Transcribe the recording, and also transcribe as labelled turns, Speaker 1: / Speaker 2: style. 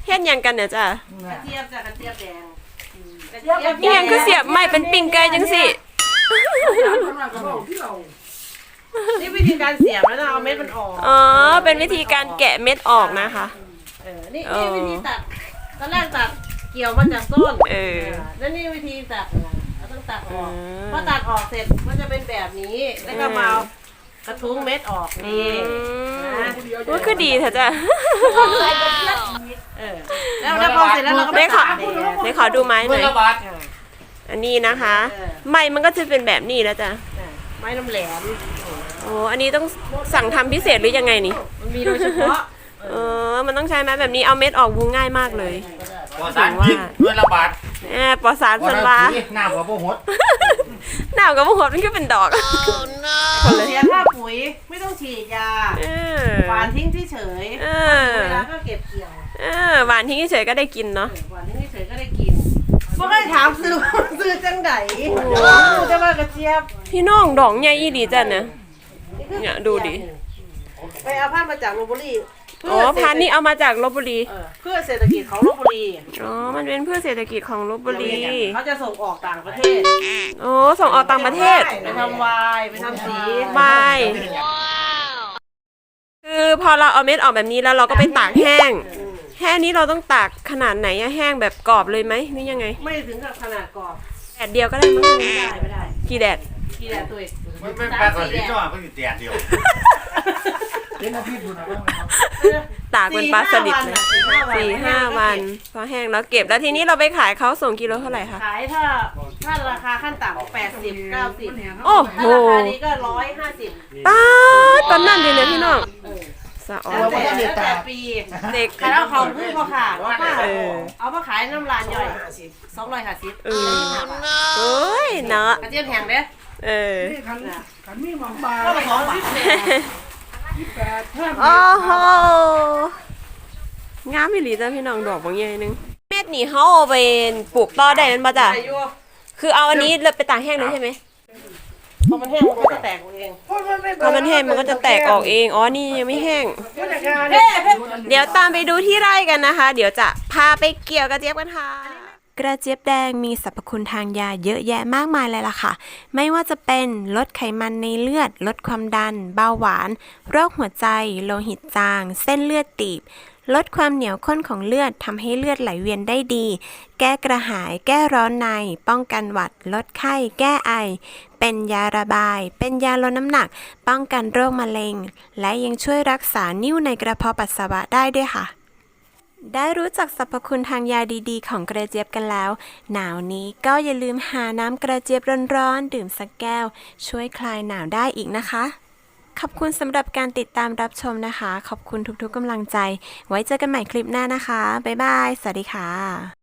Speaker 1: เฮ็ดยังกันเนี่ยจ้ะ
Speaker 2: กระเจี๊ยบจ้ะกระเจี๊ยบแดง
Speaker 1: อีหยังคือเสียบไม่เป็นปิ้งไก่จังสิ
Speaker 2: นี่วิธีการเสียบแล้วนะเอาเม็ดมันออก
Speaker 1: อ๋อเป็นวิธีการแกะเม็ดออกนะคะ
Speaker 2: นี่วิธีตัดตอนแรกตัดเกี่ยวมาจากต้นแล้วนี่วิธีตัดเราต้องตัดออกพอตัดออกเสร็จมันจะเป็นแบบนี้แล้วก็มาเอากระทุ้งเม็ดออกนี่นะ
Speaker 1: ว่าคือดีเถอะจ้ะ
Speaker 2: แล้วพอเสร็จแล้วเราก็
Speaker 1: ได้ขอดูไม้หน่อยอันนี้นะคะไม้มันก็จะเป็นแบบนี้แล้วจ้ะ
Speaker 2: ไม้น้ำแหลม
Speaker 1: โอ้อันนี้ต้องสั่งทำพิเศษหรือยังไงนี่
Speaker 2: มันมีโดยเฉพาะ
Speaker 1: มันต้องใช้ไม้แบบนี้เอาเม็ดออกวูง่ายมากเลย
Speaker 3: ปอสารกินด้วยระบาด
Speaker 1: ปอสารสันวา
Speaker 3: หน้าหัวโปหด
Speaker 1: หนาวกับพวกมันก็เป็นดอก
Speaker 2: เสียค่าปุ๋ยไม่ต้องฉีดยาหวานทิ้งเฉยเวลาก็เก็บเกี่ยว
Speaker 1: หวานทิ้งเฉยก็ได้กินเนาะ
Speaker 2: หวานทิ้งเฉยก็ได้กินพวกก็ถามซื้อจังไดดูจะว่ากระเจี๊ยบ
Speaker 1: พี่น้องดอกใหญ่อีหลีจ้ะเนี่ยดูดิ
Speaker 2: ไปเอาพันธุ์มาจากลพบุรี
Speaker 1: พันธุ์นี้เอามาจากลพบุรี
Speaker 2: เพื่อเศรษฐกิจของลพบุรี
Speaker 1: มันเป็นเพื่อเศรษฐกิจของลพบุรี
Speaker 2: เขาจะส่งออกต่างประเทศ
Speaker 1: ส่งออกต่างประเทศ
Speaker 2: ไปทำไวน์ไปทำสี
Speaker 1: ไวน์คือพอเราเอาเม็ดออกแบบนี้แล้วเราก็ไปตากแห้งแห้งนี้เราต้องตากขนาดไหนอะแห้งแบบกรอบเลยไหมนี่ยังไง
Speaker 2: ไม่ถึงกับขนาดกรอบ
Speaker 1: แดดเดียวก็ได้มั้ง
Speaker 2: ไม่ได้
Speaker 1: กี่แดด
Speaker 2: กี่แดดตัวเอง
Speaker 3: มันเป็นปลาสลิดจ้ะมันอยู่แดดเดียว
Speaker 1: ตากเป็นปลาสลิดเลย4-5 วันพอแห้งแล้วเก็บแล้วทีนี้เราไปขายเขาส่งกิโลเท่าไหร่คะ
Speaker 2: ขายถ้าราคาขั้นต่ำ80-90
Speaker 1: โอ้โห
Speaker 2: ถ้าราคานี้ก็150
Speaker 1: ป้าตอนนั้นดีเลยพี่น้องสะออน
Speaker 2: แล้วแต่ปี
Speaker 1: เด็ก
Speaker 2: ขายเอาของพึ่งพอขาดเอามาขายน้ำลานย่อย250
Speaker 1: เอ้ยเนาะ
Speaker 2: กระเจี๊ยบแห้งเด้
Speaker 4: ขันมีหมองปลา
Speaker 2: ก็มาของพิเศษ
Speaker 1: โอ้โหงามอีหลีจ้ะพี่น้องดอกบางใหญ่นึงเม็ดนี่เขาเอาไปปลูกต่อได้นั่นป่ะจ้ะคือเอาอันนี้เลยไปตากแห้งเลยใช่ไหม
Speaker 2: พอมันแห้งมันก็จะแตกเอง
Speaker 1: พอมันแห้งมันก็จะแตกออกเองนี่ยังไม่แห้งเดี๋ยวตามไปดูที่ไร่กันนะคะ เดี๋ยวจะพาไปเกี่ยวกระเจี๊ยบกันค่ะกระเจี๊ยบแดงมีสรรพคุณทางยาเยอะแยะมากมายเลยล่ะค่ะไม่ว่าจะเป็นลดไขมันในเลือดลดความดันเบาหวานโรคหัวใจโลหิตจางเส้นเลือดตีบลดความเหนียวข้นของเลือดทำให้เลือดไหลเวียนได้ดีแก้กระหายแก้ร้อนในป้องกันหวัดลดไข้แก้ไอเป็นยาระบายเป็นยาลดน้ำหนักป้องกันโรคมะเร็งและยังช่วยรักษานิ่วในกระเพาะปัสสาวะได้ด้วยค่ะได้รู้จักสรรพคุณทางยาดีๆของกระเจี๊ยบกันแล้วหนาวนี้ก็อย่าลืมหาน้ำกระเจี๊ยบร้อนๆดื่มสักแก้วช่วยคลายหนาวได้อีกนะคะขอบคุณสำหรับการติดตามรับชมนะคะขอบคุณทุกๆกำลังใจไว้เจอกันใหม่คลิปหน้านะคะบ๊ายบายสวัสดีค่ะ